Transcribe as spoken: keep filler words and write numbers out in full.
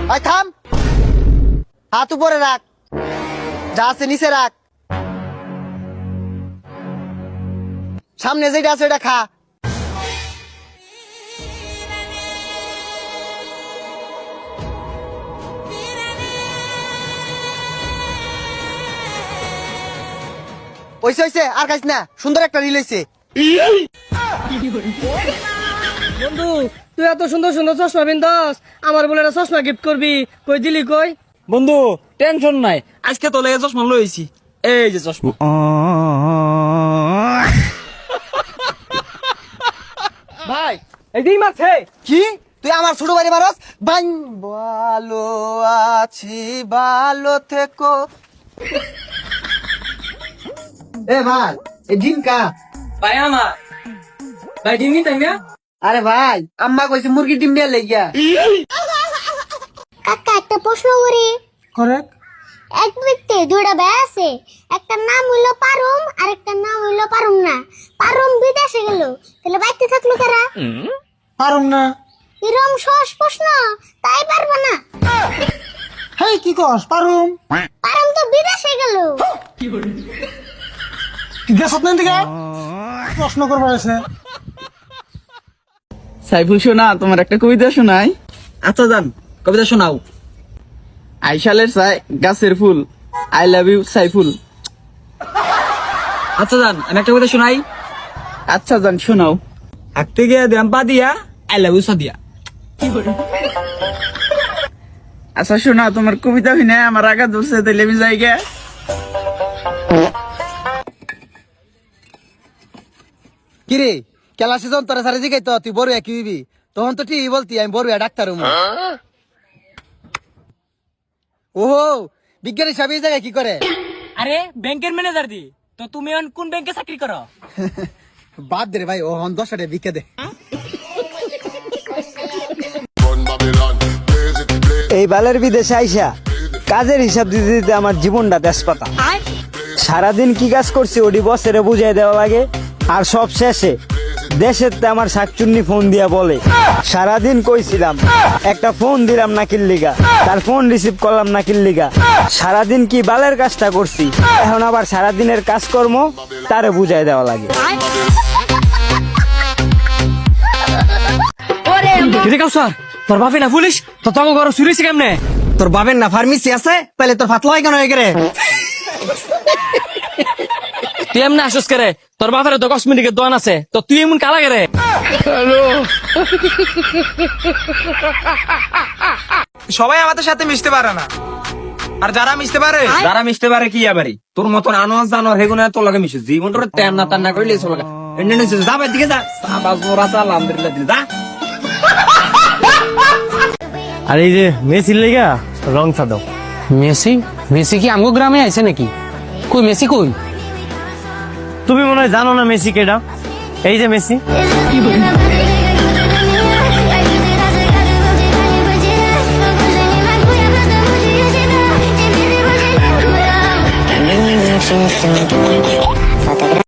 আয় থাম, হাত উপরে রাখ, যা আছে নিচে রাখ, সামনে যেটা আছে ওটা খা। ওইসে ওইসে আর খাইস না, সুন্দর একটা রিল হইছে। বন্ধু তুই এত সুন্দর সুন্দর চশমা পিনতাস, আমার বলে একটা চশমা গিফট করবি, কই দিলি কই? বন্ধু টেনশন নাই, আজকে তো লেগে চশমা লইছি, এই যে চশমা। ভাই এই মারছে কি তুই আমার ছোট ভাই মারস? বান ভালো আছি, ভালো থেকো। এ ভাই এই ডিম কা? ভাই আমার ভাই ডিম নিতে না। আরে ভাই আম্মা কইছে মুরগি ডিম দিয়ে লেগিয়া। কাকা একটা প্রশ্ন করি। করেক্ট। এক ব্যক্তি দুইটা ভাই আছে, একটা নাম হইলো পারুম আর একটা নাম হইলো পারুম না। পারুম বিদেশে গেল, তাহলে বাইতে থাকলো কারা? পারুম না। এরকম সহজ প্রশ্ন, তাই পারবো না। হেই কি কস? পারুম পারুম তো বিদেশে গেল। গেছত না দিকে প্রশ্ন করবার আছে। সাইফুল শোনা, তোমার একটা কবিতা শোনাই। আচ্ছা জান, কবিতা শোনাও। আইসালের চাই গাছের ফুল, আই লাভ ইউ সাইফুল। আচ্ছা জান, আমি একটা কবিতা শোনাই। আচ্ছা জান শোনাও। হাঁটতে গিয়ে দিলাম পা দিয়া, আই লাভ ইউ সাদিয়া। আচ্ছা শোনা, তোমার কবিতা শুনে আমার আগা ধরছে, তাইলে আমি যাই গে। কিরে কেলা সিজন তোরা সারে জিগাই তো তুই বড় কি হইবি? তখন তো ঠিক বলতি আমি বড় ডাক্তার হমু। ওহো বিজ্ঞানী সাহেব এই জায়গায় কি করে? আরে ব্যাংকের ম্যানেজার দি। তো তুমি এখন কোন ব্যাংকে চাকরি করো? বাদ দে রে ভাই, ও হন দশ টাকা বিকে দে। এই বালের বিদেশে আইসা কাজের হিসাব দিতে দিতে আমার জীবনটা তেজপাতা। সারাদিন কি কাজ করছি ওডি বসেরে বুঝাই দেওয়া লাগে, আর সব শেষে দেশের তে আমার শাকচুন্নি ফোন দিয়া বলে সারাদিন কইছিলাম, একটা ফোন দিলাম না কিল্লিগা, তার ফোন রিসিভ করলাম না কিল্লিগা। সারাদিন কি বালের কাজটা করছি, এখন আবার সারাদিনের কাজকর্ম তারে বুঝাই দেওয়া লাগে। স্যার তোর বাপে না পুলিশ, তো তোমার ঘর চুরিছে কেমনে? তোর বাবের না ফার্মেসি আছে, তাহলে তোর ফাতলা হয় কেন হয়ে গেলে? তুই এমনি আসস করে, তোর বাপের তো কসমেটিকের দোকান আছে, তো তুই এমন কালা গেরে? সবাই আমাদের সাথে মিশতে পারে না, আর যারা মিশতে পারে, যারা মিশতে পারে কি আবারই তোর মতন আনোয়াজ জানোয়ার হেগুনা তোর লাগে মিশে জীবন তোর তেন না তান না করলে চলে লাগা এন্ড নিছে যাবে দিকে যা সাবাস মোরা চা আলহামদুলিল্লাহ দিল যা। আর এই যে মেসির লেগা রং সাদো। মেসি? মেসি কি আমগো গ্রামে আইছে নাকি? কই মেসি কই? তুমি মনে হয় জানো না মেসি কেডা? এই যে মেসি।